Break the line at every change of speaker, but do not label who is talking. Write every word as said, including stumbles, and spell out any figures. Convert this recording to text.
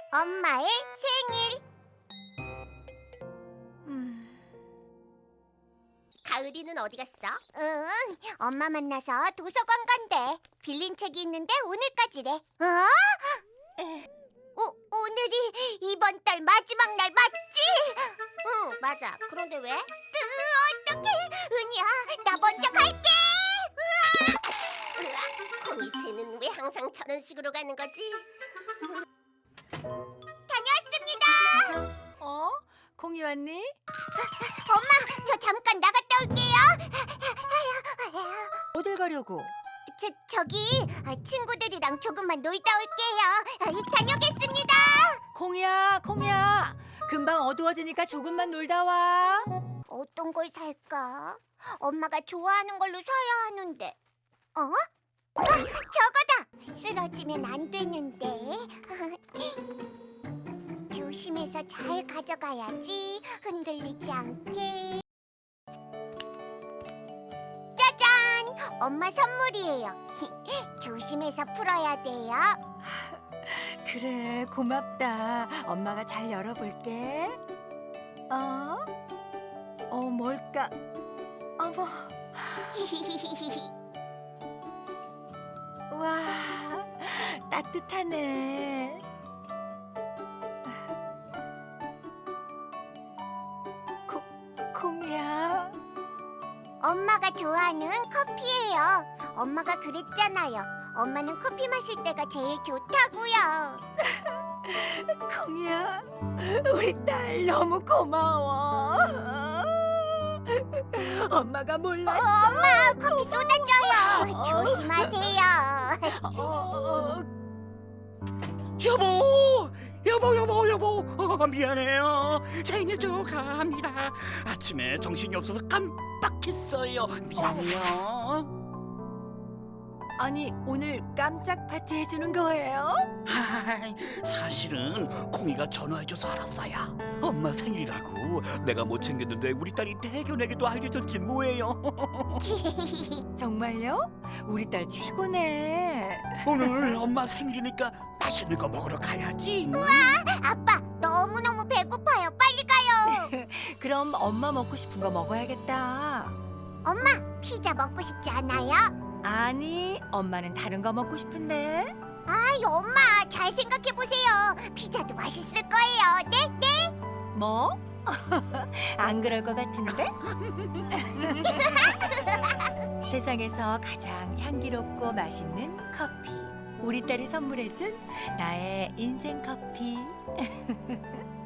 엄마의 생일.
음,
가을이는 어디 갔어? 응, 엄마 만나서 도서관 간대. 빌린 책이 있는데 오늘까지래. 어? 오, 오늘이 이번 달 마지막 날 맞지? 응, 맞아. 그런데 왜? 으, 어떡해. 은희야, 나 먼저 갈게. 으아! 으아, 콩이 쟤는 왜 항상 저런 식으로 가는 거지? 다녀왔습니다.
어? 콩이 왔니?
엄마, 저 잠깐 나갔다 올게요.
어딜 가려고?
저, 저기 아, 친구들이랑 조금만 놀다 올게요. 아, 이- 다녀오겠습니다.
콩이야, 콩이야. 금방 어두워지니까 조금만 놀다 와.
어떤 걸 살까? 엄마가 좋아하는 걸로 사야 하는데. 어? 아, 저거다. 쓰러지면 안 되는데. 조심해서 잘 가져가야지. 흔들리지 않게. 짜잔! 엄마 선물이에요. 조심해서 풀어야 돼요.
그래, 고맙다. 엄마가 잘 열어볼게. 어? 어, 뭘까? 어머, 와, 따뜻하네. 콩, 콩이야.
엄마가 좋아하는 커피예요. 엄마가 그랬잖아요. 엄마는 커피 마실 때가 제일 좋다고요.
콩이야, 우리 딸 너무 고마워. 엄마가
어,
몰랐어.
엄마, 커피 쏟아져요.
어.
조심하세요.
어, 어,
여보, 여보, 여보, 여보. 어, 미안해요. 생일 축하합니다. 아침에 정신이 없어서 깜빡했어요. 미안해요.
아니, 오늘 깜짝 파티 해주는 거예요?
하이, 사실은 콩이가 전화해줘서 알았어요. 엄마 생일이라고. 내가 못 챙겼는데 우리 딸이 대견에게도 알려줬지 뭐예요.
정말요? 우리 딸 최고네.
오늘 엄마 생일이니까 맛있는 거 먹으러 가야지.
아빠, 너무너무 배고파요. 빨리 가요.
그럼 엄마 먹고 싶은 거 먹어야겠다.
엄마, 피자 먹고 싶지 않아요?
아니, 엄마는 다른 거 먹고 싶은데.
아이, 엄마, 잘 생각해보세요. 피자도 맛있을 거예요. 네? 네?
뭐? 안 그럴 것 같은데? 세상에서 가장 향기롭고 맛있는 커피. 우리 딸이 선물해준 나의 인생 커피.